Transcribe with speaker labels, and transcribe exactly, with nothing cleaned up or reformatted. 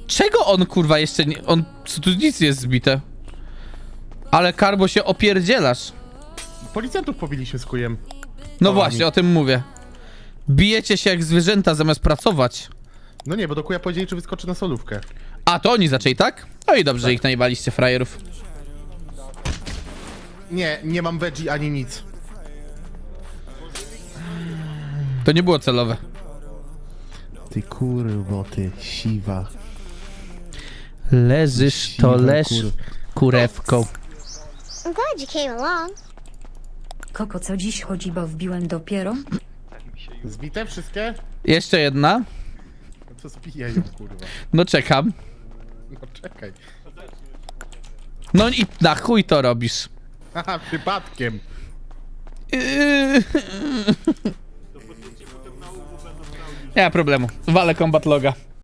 Speaker 1: Czego on, kurwa, jeszcze nie... On... Co tu nic nie jest zbite? Ale Karbo się opierdzielasz.
Speaker 2: Policjantów pobiliśmy z kujem.
Speaker 1: No
Speaker 2: O,
Speaker 1: właśnie,
Speaker 2: mi-
Speaker 1: o tym mówię. Bijecie się jak zwierzęta zamiast pracować.
Speaker 2: No nie, bo do kuja powiedzieli, czy wyskoczy na solówkę.
Speaker 1: A, to oni zaczęli, tak? No i dobrze, że ich najebaliście, frajerów.
Speaker 2: Nie, nie mam veggie ani nic.
Speaker 1: To nie było celowe.
Speaker 3: Ty kurwo, ty siwa.
Speaker 1: Leżysz, to
Speaker 3: Siwa
Speaker 1: leż
Speaker 3: kur-
Speaker 1: kurewką.
Speaker 4: I'm glad you came along.
Speaker 5: Koko, co dziś chodzi, bo wbiłem dopiero?
Speaker 2: Zbite wszystkie?
Speaker 1: Jeszcze jedna.
Speaker 2: No to zbijaj ją, kurwa.
Speaker 1: No czekam.
Speaker 2: No czekaj.
Speaker 1: No i na chuj to robisz.
Speaker 2: Haha, przypadkiem.
Speaker 1: Yy. Nie ma problemu. Walę combat loga.